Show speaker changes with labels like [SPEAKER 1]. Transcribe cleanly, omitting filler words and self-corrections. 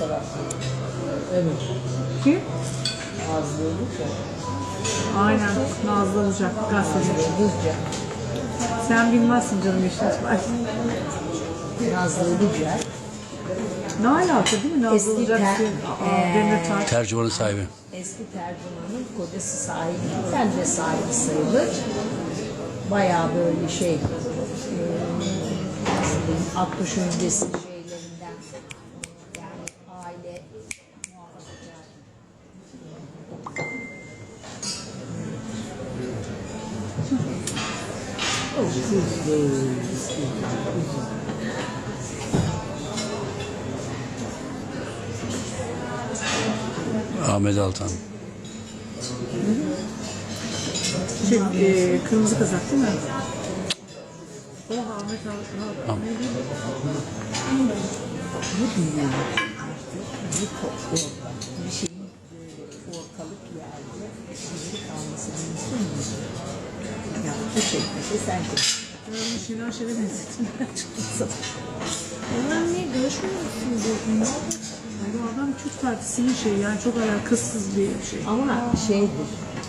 [SPEAKER 1] tarafta. Evet.
[SPEAKER 2] Kim?
[SPEAKER 1] Nazlı Ilıca.
[SPEAKER 2] Aynen. Nazlı Ilıcak. Gazeteci.
[SPEAKER 1] Ilıca.
[SPEAKER 2] Sen bilmezsin canım işte.
[SPEAKER 1] Nazlı Ilıca.
[SPEAKER 2] Ne alaka değil mi? Nazlı
[SPEAKER 1] Eski
[SPEAKER 2] Ilıcak. Demirtaş.
[SPEAKER 3] Tercümanın sahibi.
[SPEAKER 1] Eski tercümanın kocası sahibi. Ben de sahibi sayılır. Bayağı böyle şey, nasıl diyeyim, 60 öncesi şeylerinden, yani aile muhafazakar.
[SPEAKER 3] Ahmet Altan.
[SPEAKER 2] Kırmızı kazak değil mi? O Ahmet Altan. Ne diyeyim?
[SPEAKER 1] Bu dünya bir toplu bir şeyin böyle ortalık yerde gizli kalması mümkün mü? Ya bu çekmese sen çek.
[SPEAKER 2] Ben Şener Şen'e benzettim.
[SPEAKER 1] Onlar ne görüşmüyor musunuz?
[SPEAKER 2] Bu adam Türk Partisi'nin şeyi yani çok alakasız bir şey.
[SPEAKER 1] Ama şeydir,